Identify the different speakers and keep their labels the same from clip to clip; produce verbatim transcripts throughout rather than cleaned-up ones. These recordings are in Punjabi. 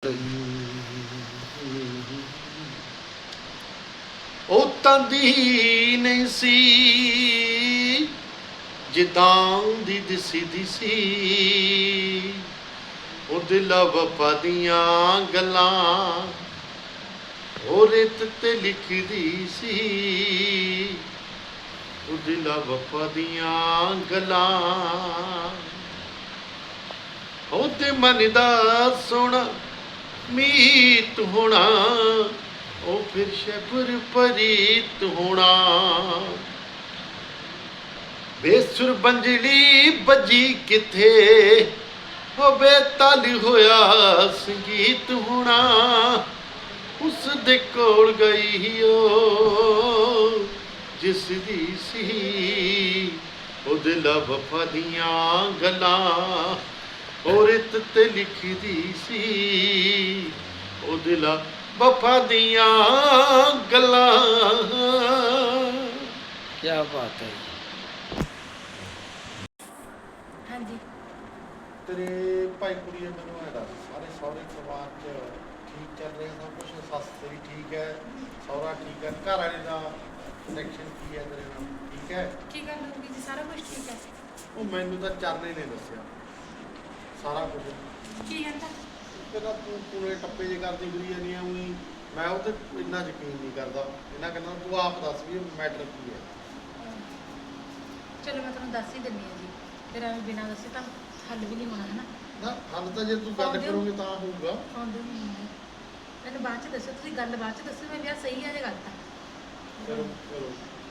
Speaker 1: ਉਹ ਤੰਦੀ ਨਹੀਂ ਸੀ ਜਿੱਦਾਂ ਦੀ ਦਿਸੀ ਦਿਸੀ, ਉਹ ਦਿਲ ਵਫਾ ਦੀਆਂ ਗੱਲਾਂ ਉਹ ਰੇਤ ਤੇ ਲਿਖਦੀ ਸੀ, ਉਹ ਦਿਲ ਵਫਾ ਦੀਆਂ ਗੱਲਾਂ ਉਹ ਤੇ ਮਨ ਦਾ ਸੋਹਣਾ ਮੀਤ ਹੋਣਾ, ਉਹ ਫਿਰ ਸ਼ਬਰ ਪਰੀਤ ਹੋਣਾ। ਬੇਸੁਰ ਬੰਜੜੀ ਬੱਜੀ ਕਿੱਥੇ, ਉਹ ਬੇਤਾਲ ਹੋਇਆ ਸੰਗੀਤ ਹੋਣਾ। ਉਸ ਦੇ ਕੋਲ ਗਈ ਉਹ ਜਿਸ ਦੀ ਸੀ, ਉਹ ਦਿਲ ਵਫਾ ਦੀਆਂ ਗੱਲਾਂ ਉਹ ਰਿਤ ਤੇ ਲਿਖਦੀ ਸੀ, ਉਹ ਦਿਲ ਵਫਾ ਦੀਆਂ ਗੱਲਾਂ।
Speaker 2: ਕੀ ਬਾਤ ਹੈ।
Speaker 3: ਹਾਂਜੀ
Speaker 1: ਤੇਰੇ ਭਾਈ ਕੁੜੀਏ ਮੈਨੂੰ ਇਹ ਦੱਸ, ਸਾਰੇ ਸਹੁਰੇ ਪਰਿਵਾਰ 'ਚ ਠੀਕ ਚੱਲ ਰਿਹਾ ਸਭ ਕੁਛ? ਸੱਸ ਤੇਰੀ ਠੀਕ ਹੈ, ਸਹੁਰਾ ਠੀਕ ਹੈ, ਘਰ ਵਾਲੇ ਦਾ ਕਨੈਕਸ਼ਨ ਕੀ ਹੈ ਤੇਰੇ ਨਾਲ, ਠੀਕ ਹੈ?
Speaker 3: ਕੀ ਗੱਲ ਹੋਊਗੀ ਜੀ? ਸਾਰਾ ਕੁਝ ਠੀਕ ਹੈ।
Speaker 1: ਉਹ ਮੈਨੂੰ ਤਾਂ ਚਰਨੇ ਨੇ ਦੱਸਿਆ ਸਾਰਾ ਕੁਝ।
Speaker 3: ਕੀ ਕਹਿੰਦਾ?
Speaker 1: ਕਹਿੰਦਾ ਤੂੰ ਪੂਰੇ ਟੱਪੇ ਜੇ ਕਰਦੀ ਫਿਰੀ ਜਾਂਦੀ ਆ ਉਹੀ, ਮੈਂ ਉਹ 'ਤੇ ਇੰਨਾ ਯਕੀਨ ਨਹੀਂ ਕਰਦਾ। ਇਹਨਾਂ ਕਹਿੰਦਾ ਤੂੰ ਆਪ ਦੱਸ ਵੀ ਮੈਟਰ ਕੀ ਹੈ।
Speaker 3: ਚਲੋ ਮੈਂ ਤੁਹਾਨੂੰ ਦੱਸ ਹੀ ਦਿੰਦੀ ਹਾਂ ਜੀ, ਫਿਰ ਐਵੇਂ ਬਿਨਾਂ ਦੱਸੇ ਤਾਂ ਹੱਲ ਵੀ ਨਹੀਂ ਹੋਣਾ ਹੈ ਨਾ।
Speaker 1: ਨਾ ਹੱਲ ਤਾਂ ਜੇ ਤੂੰ ਗੱਲ ਕਰੋਗੇ ਤਾਂ ਹੋਊਗਾ।
Speaker 3: ਆਉਂਦੇ ਨਹੀਂ ਹੁੰਦੇ, ਮੈਨੂੰ ਬਾਅਦ 'ਚ ਦੱਸੋ, ਤੁਸੀਂ ਗੱਲ ਬਾਅਦ 'ਚ ਦੱਸੋ, ਮੈਂ ਵਿਆਹ ਸਹੀ ਹੈ ਜਾਂ ਗਲਤ ਹੈ।
Speaker 1: ਚਲੋ ਚਲੋ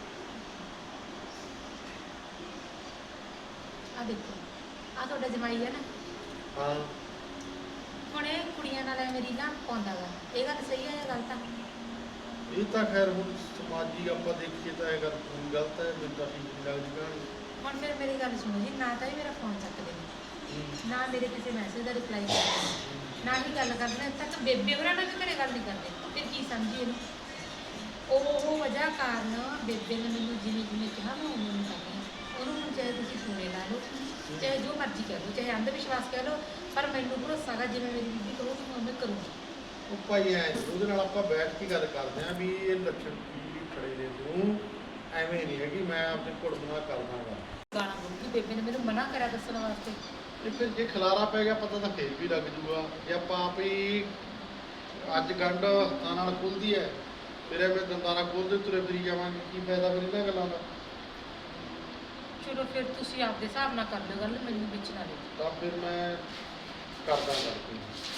Speaker 3: ਆ ਦੇਖੋ, ਆ ਤੁਹਾਡਾ ਜਮਾਈ ਹੈ ਨਾ,
Speaker 1: ਹਾਂ
Speaker 3: ਹੁਣ ਇਹ ਕੁੜੀਆਂ ਨਾਲ ਐਵੇਂ ਰੀਲਾਂ ਪਾਉਂਦਾ ਗਾ, ਇਹ ਗੱਲ ਸਹੀ ਹੈ ਜਾਂ ਗਲਤ ਹੈ?
Speaker 1: ਇਹ ਤਾਂ ਖੈਰ ਹੁਣ ਸਮਾਜੀ ਆਪਾਂ ਦੇਖੀਏ ਤਾਂ ਇਹ ਗੱਲ ਪੂਰੀ ਗਲਤ ਹੈ, ਮੈਨੂੰ ਤਾਂ ਠੀਕ ਨਹੀਂ ਲੱਗਦੀ ਕਹਾਣੀ।
Speaker 3: ਹੁਣ ਫਿਰ ਮੇਰੀ ਗੱਲ ਸੁਣੋ ਜੀ, ਨਾ ਤਾਂ ਇਹ ਮੇਰਾ ਫੋਨ ਚੱਕਦੇ ਨੇ, ਨਾ ਮੇਰੇ ਕਿਸੇ ਮੈਸੇਜ ਦਾ ਰਿਪਲਾਈ ਕਰਦੇ ਨੇ, ਨਾ ਹੀ ਗੱਲ ਕਰਦੇ ਨੇ। ਤੱਕ ਬੇਬੇ ਹੋਰਾਂ ਨਾਲ ਵੀ ਘਰੇ ਗੱਲ ਨਹੀਂ ਕਰਦੇ, ਫਿਰ ਕੀ ਸਮਝੀ ਇਹਨੂੰ? ਉਹ ਉਹ ਵਜ੍ਹਾ ਕਾਰਨ ਬੇਬੇ ਨੇ ਮੈਨੂੰ ਜਿਵੇਂ ਜਿਵੇਂ ਕਿਹਾ ਮੈਂ ਉਵੇਂ ਉਵੇਂ ਕਰਦੀ ਹਾਂ। ਉਹਨੂੰ ਹੁਣ ਚਾਹੇ ਤੁਸੀਂ ਸੋਨੇ ਲਾ ਲਓ, ਚਾਹੇ ਜੋ ਮਰਜ਼ੀ ਕਹਿ ਲਓ, ਚਾਹੇ ਅੰਧ ਵਿਸ਼ਵਾਸ ਕਹਿ ਲਓ, ਪਰ ਮੈਨੂੰ ਭਰੋਸਾ ਹੈਗਾ ਜਿਵੇਂ ਮੇਰੀ ਬੀਬੀ ਕਹੂ ਮੈਂ ਉਵੇਂ ਕਰੂੰਗੀ।
Speaker 1: ਉਹ ਭਾਈ ਐ ਉਹਦੇ ਨਾਲ ਆਪਾਂ ਬੈਠ ਕੇ ਗੱਲ ਕਰਦੇ ਆਂ ਵੀ ਇਹ ਲੱਛਣ ਕੀ ਖੜੇ ਨੇ, ਤੂੰ ਐਵੇਂ ਨਹੀਂ ਹੈਗੀ ਮੈਂ ਆਪਣੇ ਘੁੜ ਬਣਾ ਕਰਦਾ ਗਾ।
Speaker 3: ਗਾਣਾ ਬੋਲੂਗੀ ਬੇਬੇ ਨੇ ਮੈਨੂੰ ਮਨਾ ਕਰਿਆ ਦੱਸਣ ਵਾਸਤੇ।
Speaker 1: ਇਹ ਫਿਰ ਜੇ ਖਲਾਰਾ ਪੈ ਗਿਆ ਪਤਾ ਤਾਂ ਫੇਰ ਵੀ ਲੱਗ ਜੂਗਾ। ਜੇ ਆਪਾਂ ਆਪ ਹੀ ਅੱਜ ਗੰਢ ਹੱਥਾਂ ਨਾਲ ਖੁੱਲਦੀ ਹੈ, ਫਿਰ ਐਵੇਂ ਦੰਦਾਂ ਨਾਲ ਖੋਲਦੇ ਤੁਰੇ ਫਿਰੀ ਜਾਵਾਂਗੇ, ਕੀ ਫਾਇਦਾ ਫਿਰ ਇਹਨਾਂ ਗੱਲਾਂ ਦਾ?
Speaker 3: ਚਲੋ ਫਿਰ ਤੁਸੀਂ ਆਪਦੇ ਹਿਸਾਬ ਨਾਲ ਕਰ ਲਿਓ ਗੱਲ, ਮੈਨੂੰ ਵਿੱਚ ਨਾ ਲਿਓ।
Speaker 1: ਤਾਂ ਫਿਰ ਮੈਂ ਕਰਦਾ ਗੱਲ ਕੋਈ।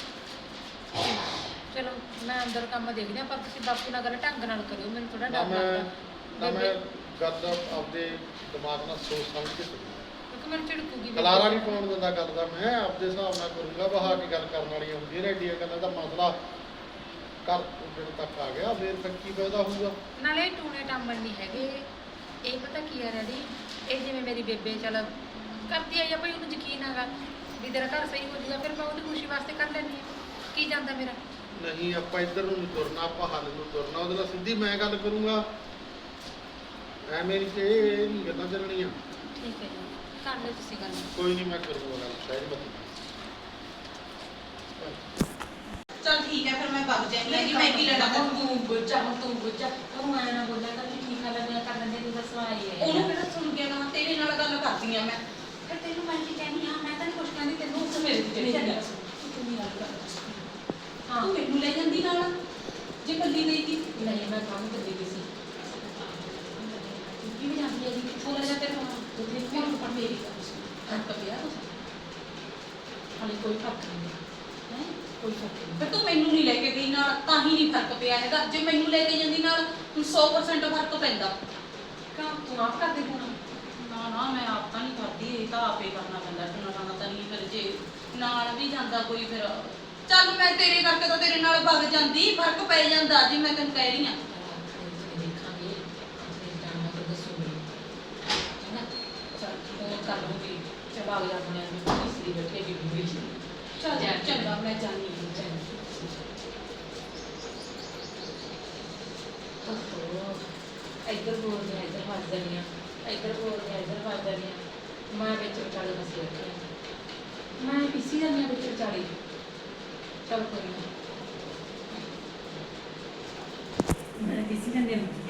Speaker 3: ਚਲੋ ਮੈਂ ਅੰਦਰ ਕੰਮ ਦੇਖਦੀ ਹਾਂ, ਪਰ ਤੁਸੀਂ ਬਾਪੂ ਨਾਲ ਗੱਲ ਢੰਗ ਨਾਲ ਕਰਿਓ, ਮੈਨੂੰ ਥੋੜਾ
Speaker 1: ਨਾ
Speaker 3: ਡਰ
Speaker 1: ਮੈਂ
Speaker 3: ਲੱਗਦਾ।
Speaker 1: ਨਾ ਮੈਂ ਗੱਲ ਆਪਦੇ ਦਿਮਾਗ ਨਾਲ ਸੋਚ ਸਮਝ ਕੇ ਕਰੂ।
Speaker 3: ਕਿਉਂਕਿ ਮੈਨੂੰ ਝਿੜਕੂਗੀ ਬੇਬੇ।
Speaker 1: ਖਲਾਰਾ ਨਹੀਂ ਪਾਉਣ ਦਿੰਦਾ ਗੱਲ ਦਾ, ਮੈਂ ਆਪਦੇ ਹਿਸਾਬ ਨਾਲ ਕਰੂੰਗਾ। ਬਹਾ ਕੇ ਗੱਲ ਕਰਨ ਵਾਲੀਆਂ ਹੁੰਦੀਆਂ ਨੇ, ਐਡੀਆਂ ਗੱਲਾਂ ਦਾ ਮਸਲਾ ਘਰ ਉੱਜਣ ਤੱਕ ਆ ਗਿਆ, ਫਿਰ ਫਿਰ ਕੀ ਫਾਇਦਾ ਹੋਊਗਾ?
Speaker 3: ਨਾਲੇ ਟੂਣੇ ਟਾਮਣ ਨਹੀਂ ਹੈਗੇ, ਇਹ ਪਤਾ ਕੀ ਆ ਰੈਡੀ, ਇਹ ਜਿਵੇਂ ਮੇਰੀ ਬੇਬੇ ਚੱਲ ਕਰਦੀ ਆਈ ਆ ਭਾਈ, ਉਹਨੂੰ ਯਕੀਨ ਹੈਗਾ ਵੀ ਤੇਰਾ ਘਰ ਸਹੀ ਹੋ ਜਾਊਗਾ, ਫਿਰ ਮੈਂ ਉਹਦੀ ਖੁਸ਼ੀ ਵਾਸਤੇ ਕਰ ਲੈਂਦੀ ਹਾਂ। ਕੀ ਜਾਂਦਾ ਮੇਰਾ?
Speaker 1: ਨਹੀਂ ਆਪਾਂ ਇੱਧਰ ਨੂੰ ਨਹੀਂ ਤੁਰਨਾ, ਆਪਾਂ ਹੱਲ ਨੂੰ ਤੁਰਨਾ। ਉਹਦੇ ਨਾਲ ਸਿੱਧੀ ਮੈਂ ਗੱਲ ਕਰੂੰਗਾ, ਐਵੇਂ ਨਹੀਂ ਕਿ ਇਹ ਨਹੀਂ ਗੱਲਾਂ ਚੱਲਣੀਆਂ।
Speaker 3: ਠੀਕ ਹੈ ਜੀ, ਕਰ ਲਿਓ ਤੁਸੀਂ ਗੱਲ।
Speaker 1: ਕੋਈ ਨਹੀਂ ਮੈਂ ਕਰੂੰਗਾ ਗੱਲ, ਸ਼ਾਇਦ ਮਤ।
Speaker 4: ਚਲ ਠੀਕ ਹੈ, ਫਿਰ ਮੈਂ ਵਗ ਜਾਂਦੀ ਹਾਂ ਜੀ, ਮੈਂ ਵੀ ਲੜਾ
Speaker 3: ਹੁਣ ਤੂੰ ਗੁੱਜਾ, ਹੁਣ ਤੂੰ ਗੁੱਜਾ, ਤੂੰ ਐਂ ਨਾ ਬੋਲਿਆ ਕਰ ਵੀ ਠੀਕ ਆ ਲੱਗਿਆ ਕਰ ਲੈਂਦੇ, ਤੂੰ ਬਸ ਆਈ ਹੈ।
Speaker 4: ਉਹਨੂੰ ਕਿਹੜਾ ਸੁਣ ਗਿਆ ਨਾ, ਤੇਰੇ ਨਾਲ ਗੱਲ ਕਰਦੀ ਆ ਮੈਂ।
Speaker 3: ਫਿਰ ਤੈਨੂੰ ਮੈਂ ਕੀ ਕਹਿੰਦੀ ਹਾਂ, ਮੈਂ ਤਾਂ ਨਹੀਂ ਕੁਛ ਕਹਿੰਦੀ ਤੈਨੂੰ, ਉਸ ਮੇਰੇ ਤੇ ਚੜੀ ਜਾਂਦੀ।
Speaker 4: ਤੂੰ ਕਿੰਨੀ ਗੱਲ ਕਰਦੀ
Speaker 3: ਹਾਂ
Speaker 4: ਤੂੰ ਮੈਨੂੰ ਲੈ ਜਾਂਦੀ ਨਾਲ, ਜੇ ਕੱਲੀ ਗਈ ਸੀ।
Speaker 3: ਨਹੀਂ ਮੈਂ ਕੰਮ ਕਰਦੀ ਪਈ ਸੀ। ਕੀ ਵੀ ਜਾਂਦੀ ਹੈ ਜੀ, ਥੋੜਾ ਜਿਹਾ ਤੇਰੇ ਨਾਲ ਦੁੱਧੇ ਕੋਲ ਪਰ ਮੇਰੀ ਗੱਲ ਸੁਣ,
Speaker 4: ਫਰਕ ਪਿਆ ਕੁਛ?
Speaker 3: ਹਾਲੇ ਕੋਈ ਫਰਕ ਨਹੀਂ ਹੈ, ਕੋਈ ਫਰਕ ਨਹੀਂ।
Speaker 4: ਫਿਰ ਤੂੰ ਮੈਨੂੰ ਨਹੀਂ ਲੈ ਕੇ ਗਈ ਨਾਲ, ਤਾਂ ਹੀ ਨਹੀਂ ਫਰਕ ਪਿਆ ਹੈਗਾ। ਜੇ ਮੈਨੂੰ ਲੈ ਕੇ ਜਾਂਦੀ ਨਾਲ, ਤੂੰ ਸੌ ਪਰਸੈਂਟ ਫਰਕ ਪੈਂਦਾ।
Speaker 3: ਕਿਉਂ ਤੂੰ ਆਪ ਕਰਦੇ ਹੋਣਾ?
Speaker 4: ਨਾ ਨਾ ਮੈਂ ਆਪ ਤਾਂ ਨਹੀਂ ਕਰਦੀ, ਇਹ ਤਾਂ ਆਪੇ ਕਰਨਾ ਪੈਂਦਾ। ਟੁਣਾ ਟਾਣਾ ਤਾਂ ਨਹੀਂ, ਫਿਰ ਜੇ ਨਾਲ ਵੀ ਜਾਂਦਾ ਕੋਈ, ਫਿਰ ਚੱਲ ਮੈਂ ਤੇਰੇ ਕਰਕੇ ਤਾਂ ਤੇਰੇ ਨਾਲ ਵਗ ਜਾਂਦੀ, ਫਰਕ ਪੈ ਜਾਂਦਾ ਜੀ, ਮੈਂ ਤੈਨੂੰ ਕਹਿ ਰਹੀ ਹਾਂ।
Speaker 3: ਦੇਖਾਂਗੇ ਆਪਣੇ ਟਾਈਮ ਨਾਲ ਦੱਸੋ ਮੈਨੂੰ, ਹੈ ਨਾ? ਚੱਲ ਉਹ ਕਰ ਲੂੰਗੀ, ਚਲਾ ਗਿਆ ਆਪਣੇ ਨੂੰ ਇਸਰੀ ਬੈਠੇ ਕਿ ਵੀ
Speaker 4: ਚੱਲ ਚੰਗਾ, ਮੈਂ ਜਾਣੀ ਹਾਂ।
Speaker 3: ਇੱਧਰ ਬੋਲਦੇ ਆ, ਇੱਧਰ ਫਸ ਜਾਂਦੀਆਂ, ਇੱਧਰ ਬੋਲਦੇ ਆ, ਇੱਧਰ ਫਸ ਜਾਂਦੀਆਂ। ਮੈਂ ਵਿੱਚ ਵਿਚਾਲੇ ਫਸੀ ਬੈਠੀ ਹਾਂ, ਮੈਂ ਪਿੱਛੀ ਜਾਂਦੀ ਹਾਂ ਵਿੱਚ ਵਿਚਾਲੇ।
Speaker 4: ਚੱਲ ਕੋਈ ਨਾ
Speaker 3: ਮੈਂ ਕਿਸੇ ਨੇ